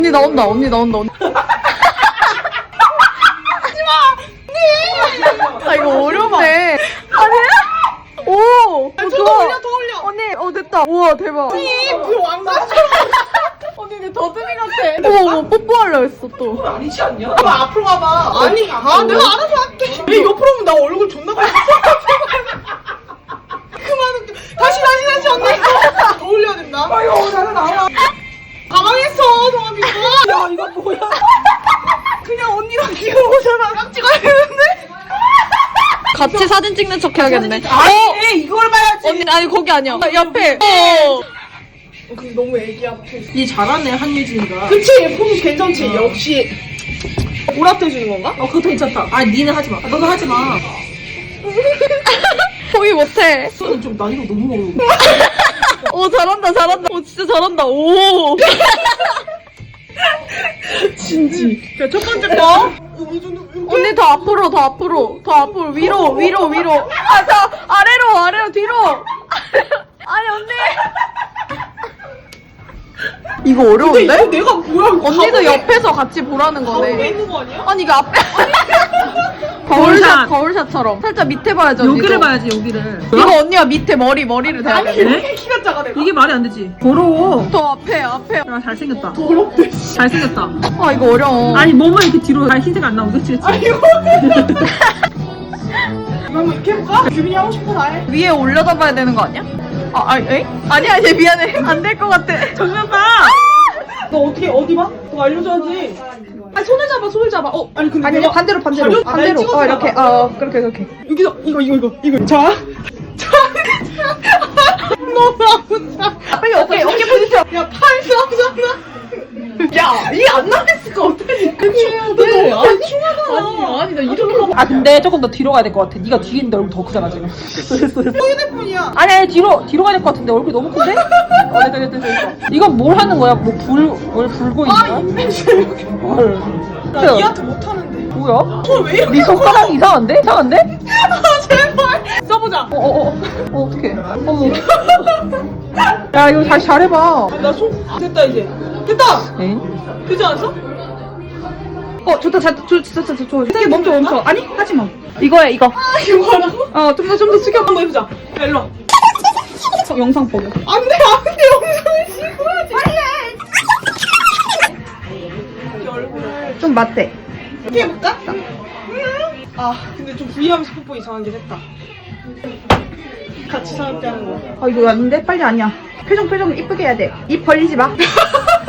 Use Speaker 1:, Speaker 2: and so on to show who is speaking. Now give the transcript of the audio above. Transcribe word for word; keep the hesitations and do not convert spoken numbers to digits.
Speaker 1: 언니 나온다, 언니 나온다, 언니. 하지마! 언니! 아, 이거 어려운데. 아니? 오!
Speaker 2: 아니,
Speaker 1: 어,
Speaker 2: 더
Speaker 1: 좋아.
Speaker 2: 올려, 더 올려.
Speaker 1: 언니, 어, 됐다. 우와, 대박.
Speaker 2: 언니, 그 왕가처럼.
Speaker 1: 언니, 내 더듬이 같아. 어머, 어머, 뽀뽀하려 했어, 또.
Speaker 2: 아니지 않냐? 봐봐, 앞으로 가봐. 아니, 아, 내가 알아서 할게. 왜 옆으로 오면 나 얼굴 존나 가려. 그만, 다시, 다시, 다시, 언니. 더 올려야 된다. 아유, 나는 나와. 당황했어, 동아비가. 야, 이거 뭐야. 그냥 언니랑 귀여워서랑 딱 찍어야 되는데?
Speaker 1: 같이 사진 찍는 척 해야겠네.
Speaker 2: 아니, 이걸 봐야지.
Speaker 1: 언니, 아니, 거기 아니야. 옆에. 어.
Speaker 2: 근데 너무 애기야, 포즈.
Speaker 3: 니 잘하네 한예진이가.
Speaker 2: 그치, 얘 포즈 괜찮지. 역시. 보라트 해주는 건가?
Speaker 3: 어 그것도 괜찮다. 아 니는 하지 마. 아, 너도 하지 마.
Speaker 1: 포기 못해.
Speaker 3: 좀 난이도 너무 어려워.
Speaker 1: 오, 잘한다, 잘한다. 오, 진짜 잘한다. 오.
Speaker 2: 진지. 자, 첫 번째 거.
Speaker 1: 언니 더 앞으로, 더 앞으로, 더 앞으로, 위로, 위로, 위로. 아, 더 아래로, 아래로, 뒤로. 아니, 언니. 이거
Speaker 2: 근데
Speaker 1: 어려운데?
Speaker 2: 이거 내가 뭐야?
Speaker 1: 언니도
Speaker 2: 가운데-
Speaker 1: 옆에서 같이 보라는
Speaker 2: 가운데
Speaker 1: 거네.
Speaker 2: 있는 거 아니야?
Speaker 1: 아니, 이거 앞에. 거울샷, 거울샷처럼. 살짝 밑에 봐야죠.
Speaker 3: 여기를
Speaker 1: 언니도.
Speaker 3: 봐야지 여기를.
Speaker 1: 이거 언니가 밑에 머리, 머리를 대야 돼.
Speaker 2: 이렇게 키가 작아, 내가.
Speaker 3: 이게 말이 안 되지. 더러워.
Speaker 1: 더 앞에, 앞에.
Speaker 3: 야 잘생겼다.
Speaker 2: 더럽대.
Speaker 3: 잘생겼다.
Speaker 1: 아, 이거 어려워.
Speaker 3: 아니 몸을 이렇게 뒤로 잘 흰색 안 나오고 그치 그치.
Speaker 2: 이거. 이거 한번 이렇게 해볼까? 규빈이 하고 싶은 거 다 해.
Speaker 1: 위에 올려다 봐야 되는 거 아니야? 아, 아, 에? 아니야, 얘 미안해. 안 될 것 같아.
Speaker 3: 정면 봐.
Speaker 2: 너 어떻게, 어디 봐? 너 알려줘야지. 아니, 손을 잡아, 손을 잡아. 어, 아니, 근데
Speaker 1: 아니,
Speaker 2: 내가
Speaker 1: 아니, 반대로, 반대로.
Speaker 2: 가려- 아, 날
Speaker 1: 반대로.
Speaker 2: 찍어서
Speaker 1: 어, 이렇게.
Speaker 2: 나가.
Speaker 1: 어, 그렇게, 그렇게.
Speaker 2: 여기서, 이거, 이거, 이거, 이거. 자. 자. 너무 아프다.
Speaker 1: 빨리 어깨, 어깨 보여주세요.
Speaker 2: 야, 팔 쏘잖아. 야, 이게 안 나왔으니까 어떡하지? 그치,
Speaker 1: 네.
Speaker 2: 아, 충하잖아.
Speaker 1: 아니, 나 이렇게 가봐.
Speaker 3: 아 근데 조금 더 뒤로 가야 될 것 같아. 네가 뒤에 있는데 얼굴 더 크잖아 지금.
Speaker 2: 휴대폰이야.
Speaker 3: 아니 아니 뒤로 뒤로 가야 될 것 같은데 얼굴이 너무 큰데? 어 됐다 됐다 됐다. 이건 뭘 하는 거야? 뭐불뭘 불고 있는
Speaker 2: 아,
Speaker 3: 거야?
Speaker 2: 인벤션.
Speaker 3: 뭘?
Speaker 2: 나 이 아트 못하는데.
Speaker 3: 뭐야?
Speaker 2: 손왜 이렇게
Speaker 3: 네 손가락 이상한데? 이상한데?
Speaker 2: 아, 제발. 써보자.
Speaker 3: 어어어 어, 어떡해. 어머. 야 이거 다시 잘해봐.
Speaker 2: 나 손, 됐다, 이제. 됐다!
Speaker 3: 에잉?
Speaker 2: 되지 않았어?
Speaker 1: 어, 좋다, 자, 좋, 좋다, 좋다, 좋다. 이게 멈춰, 멈춰. 아니, 하지 마.
Speaker 2: 이거야, 이거. 아, 이거 하라고?
Speaker 1: 어, 좀 더, 좀 더 숙여.
Speaker 2: 한번 해보자. 야, 일로 와.
Speaker 1: 어, 영상 보고.
Speaker 2: 안 돼, 안 돼, 영상을 찍어야지. 빨리 해! 이 얼굴을
Speaker 1: 좀 맞대.
Speaker 2: 이렇게 해볼까? 아, 근데 좀 부위하면서 뽀뽀 이상하긴 했다. 같이 사업게 하는 거.
Speaker 1: 아, 이거 아닌데? 빨리 아니야. 표정, 표정 이쁘게 해야 돼. 입 벌리지 마.